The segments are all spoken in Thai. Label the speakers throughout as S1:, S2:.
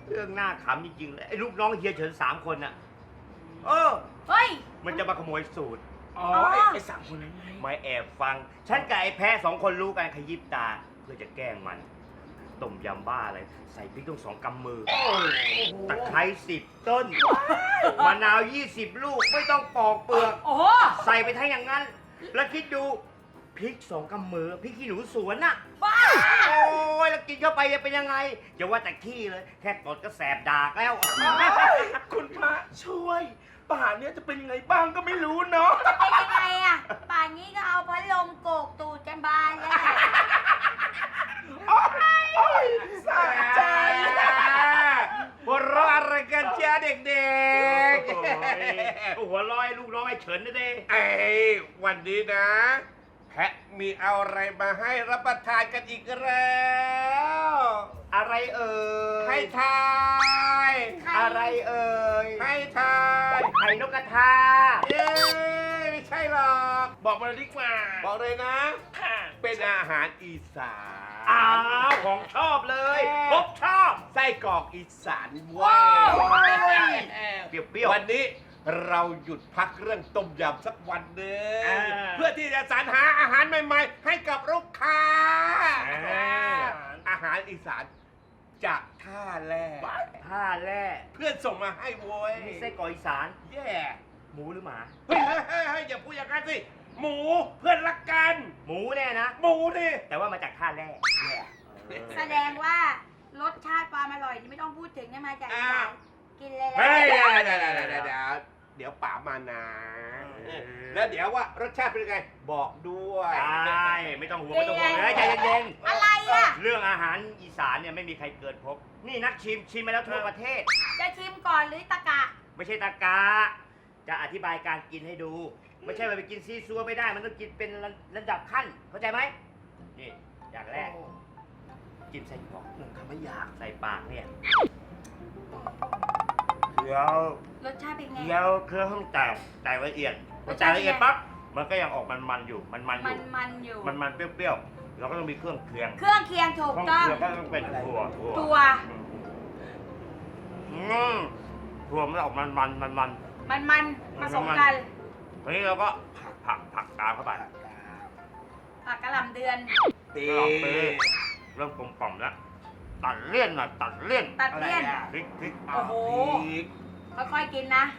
S1: เรื่องหน้าขำจริงๆเลยไอ้ลูกน้องเฮียเฉิน3 คนน่ะ
S2: เฮ้ย
S1: มันจะมาขโมยสูตร
S3: ไอ้3 คนนั้นไง
S1: มาแอบฟังฉันกับไอ้แพ้2 คนรู้กันขยิบตาเพื่อจะแกล้งมันต้มยำบ้าอะไรใส่พริกต้อง2 กำมือตะไคร้10 ต้นมะนาว20 ลูกไม่ต้องปอกเปลือกใส่ไปทั้งอย่างนั้นแล้วคิดดูพริก2 กำมือพริกขี้หนูสวนน่ะ
S2: บ้า
S1: โอ้ยแล้วกินเข้าไปจะเป็นยังไงอย่าว่าแต่ขี้เลยแค่ตดก็แสบดากแล้ว
S3: คุณพระช่วยป่านนี้จะเป็นยังไงบ้างก็ไม่รู้เนาะ
S2: จะเป็นยังไงอ่ะป่านนี้ก็เอาพัดลมโกกตูดกันบานแล้ว
S3: สะใจ
S1: หัวเราะอะไรกันเจ้าเด็กๆหัวเราะไอ้ลูกน้องไอ้เฉินนะเด้
S3: วันนี้นะแพะมีเอาอะไรมาให้รับประทานกันอีกแล้ว
S1: อะไรเอ่ย
S3: ให้ทาย
S1: อะไรเอ่ย
S3: ให้ทาย
S1: ไข่นกกระทา
S3: ไม่ใช่หรอกบอกมาเลยดีกว่าบอกเลยนะเป็นอาหารอีสาน
S1: ของชอบเลยพบชอบ
S3: ไส้กรอกอีสานว้าว
S1: เปรี้ยว
S3: วันนี้เราหยุดพักเรื่องต้มยำสักวันหนึ่งเพื่อที่จะสรรหาอาหารใหม่ๆให้กับลูกค้าอาหารอีสานจากท่าแร่เพื่อนส่งมาให้โว้ย
S1: มีไส้กรอกอีสาน
S3: แย่
S1: หมูหรือหมา
S3: เฮ้ยอย่าพูดอย่างนั้นสิหมูเพื่อนรักกัน
S1: หมูแน่นะ
S3: หมูดิ
S1: แต่ว่ามาจากท่าแร่
S2: แสดงว่ารสชาติความอร่อยนี่ไม่ต้องพูดถึงนะมาจากอีสานกินเลย
S3: เดี๋ยวป๋ามานะแล้วเดี๋ยวว่ารสชาติเป็นยังไงบอกด้วย
S1: ได้ไม่ต้องห่วงเลยใจเย็น
S2: ๆอะไรอ่ะ
S1: เรื่องอาหารอีสานเนี่ยไม่มีใครเกินพบนี่นักชิมมาแล้วทั่วประเทศ
S2: จะชิมก่อนหรือตะกะ
S1: ไม่ใช่ตะกะจะอธิบายการกินให้ดูไม่ใช่ว่าไปกินซีซัวไม่ได้มันต้องกินเป็นระดับขั้นเข้าใจไหมนี่อย่างแรกจิ้มใส่กรอกคำไม่อยากใส่ปากเนี่ยเคี้ยว
S2: รสชาติเป็นไง
S1: เคี้ยวเครื่องแตกละเอียดพอแตกละเอียดปั๊บมันก็ยังออกมันอยู่มันเปรี้ยวๆเราก็ต้องมีเครื่องเคียง
S2: ถูกต้อง
S1: ก็ต้องเป็นถั่ว
S2: ถั่ว
S1: มันออกมัน
S2: ผสมกัน
S1: ทีนี้เราก็ผักตามเข้าไป
S2: ผักกะหล่ำเดือน
S1: เริ่มกลมกล่อมแล้วตัดเลี่ยนพริก
S2: โอ้โหค่อยๆกินนะ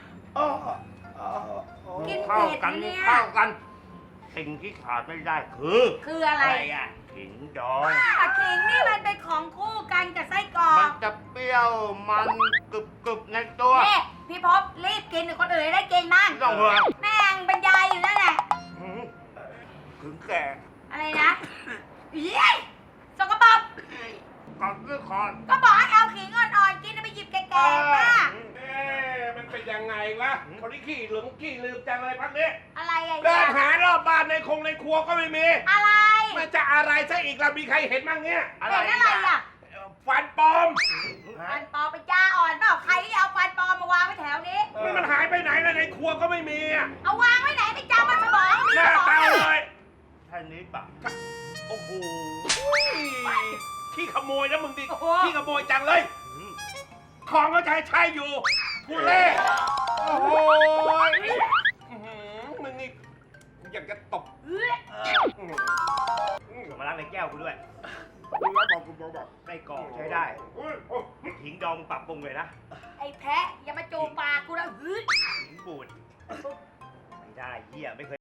S2: กินเผ็ดเนี่ย
S1: เข้ากันสิ่งที่ขาดไม่ได้คือ
S2: อะไร
S1: อ่ะขิงดอง
S2: ขิงนี่มันเป็นของคู่กันกับไส้กรอก
S1: มันจะเปรี้ยวมันกรึบในตัว
S2: นี่พี่พบรีบกินคนอื่นได้กินมั่ง
S1: ต้องหัว
S2: แม่งบรรยายอยู่นั่นแหละ
S1: ถึงแก่
S2: อะไรนะสกปรก
S1: ก่อนด้วยคอน
S2: ก็บอกให้เอาขิงอ่อนๆกินไปหยิบแก่ๆป้า
S3: มันเป็นยังไงวะคนที่ขี้หลงขี้ลืมจังเลยพักนี้
S2: อะไรอ่ะ
S3: เดินหารอบบ้านในครัวก็ไม่มี
S2: อะไร
S3: มันจะอะไรซะอีกล่ะมีใครเห็นบ้างเนี้ย
S2: เห็นอะไรอ่ะ
S3: ฟันปลอม
S2: เป็นยาอ่อนเปล่าใครที่เอาฟันปลอมมาวางไว้แถวนี้
S3: มันหายไปไหนแล้วในครัวก็ไม่มีอ่ะ
S2: เอาวางไว้ไหนไม่จำมันสมอง
S3: หน้าตาเลย
S1: ท่านนี้ปะ
S3: โอ้โหขี้ขโมยนะมึงดิขี้ขโมยจังเลยของก็ใช้อยู่ผู้เล่โอ้โหมึงนี่อยากจะตบ
S1: มาล้างในแก้วกูด้วยไส้กรอกใช้ได้หิงดองปรับปรุงเลยนะ
S2: ไอ้แพะอย่ามาจูบปากกูนะ
S1: หิงบูดไม่ได้เหี้ยไม่เคย